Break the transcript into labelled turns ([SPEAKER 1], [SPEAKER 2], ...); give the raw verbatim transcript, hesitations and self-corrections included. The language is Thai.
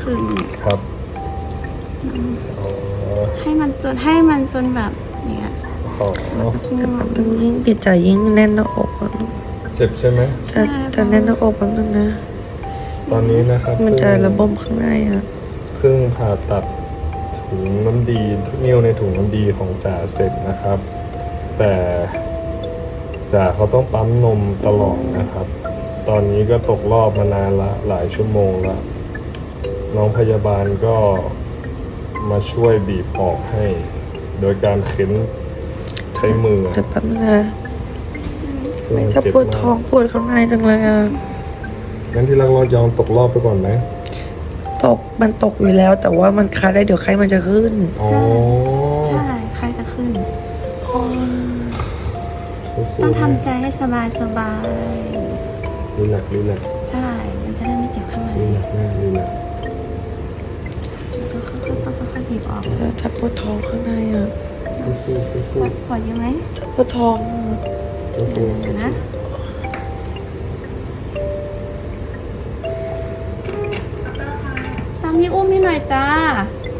[SPEAKER 1] ขึ้น
[SPEAKER 2] ครับอ๋อ
[SPEAKER 1] ให้มันจนให้มันจนแบบเนี้ย
[SPEAKER 2] อ๋อ
[SPEAKER 3] แต่แป๊บนึงยิ่งปิดใจยิ่งแน่นหน้าอกอะ
[SPEAKER 2] เจ็บใช่ไหม
[SPEAKER 3] แต่แต่แน่นหน้าอกแป๊บนึงนะ
[SPEAKER 2] ตอนนี้นะครับ
[SPEAKER 3] มันจะ
[SPEAKER 2] เพิ่ง
[SPEAKER 3] ระบมข้างในอ่ะ
[SPEAKER 2] เพิ่งผ่าตัดถุงน้ำดีนิ้วในถุงน้ำดีของจ่าเสร็จนะครับ แต่จ่าเขาต้องปั๊มนมตลอดนะครับ ตอนนี้ก็ตกรอบมานานละหลายชั่วโมงละน้องพยาบาลก็มาช่วยบีบออกให้ โดยการเข็นใช้มือ
[SPEAKER 3] เดี๋ยวแป๊บนึงนะ
[SPEAKER 2] ซึ่ง
[SPEAKER 3] ไม่
[SPEAKER 2] มัน
[SPEAKER 3] จะ
[SPEAKER 2] เจ็บ
[SPEAKER 3] ปวด
[SPEAKER 2] มา
[SPEAKER 3] ท้อง
[SPEAKER 2] ก
[SPEAKER 3] ปวดข้างในจังเลยอ่ะ
[SPEAKER 2] งั้นที่รักเรายอมตกรอบไปก่อนไหม
[SPEAKER 3] ตกมันตกอยู่แล้ว แต่ว่ามันคาได้เดี๋ยวไข้มันจะขึ้น
[SPEAKER 2] อ๋อ
[SPEAKER 1] ใช่ใครจะขึ้น
[SPEAKER 2] สู้
[SPEAKER 1] ต้อง
[SPEAKER 2] ๆ
[SPEAKER 1] ทำใจให้สบายสบาย
[SPEAKER 2] รีแลกซ์รีแลกซ์
[SPEAKER 1] ใช่ มันจะได้ไม่เจ็บข้างใน
[SPEAKER 2] รีแลกซ์แม่รีแลกซ์
[SPEAKER 1] ต้องค่อยๆต้องค่อยๆบีบออก
[SPEAKER 3] ถ้าปวดท้องข้างในอ่ะ
[SPEAKER 2] สู้ๆสู้
[SPEAKER 1] ปวดปวดเยอะไหม
[SPEAKER 3] ถ้าปวดท้องอะ
[SPEAKER 2] ๆสู้
[SPEAKER 1] เดี๋ยวนะตามนี้อุ้มให้หน่อยจ้า
[SPEAKER 2] ๆ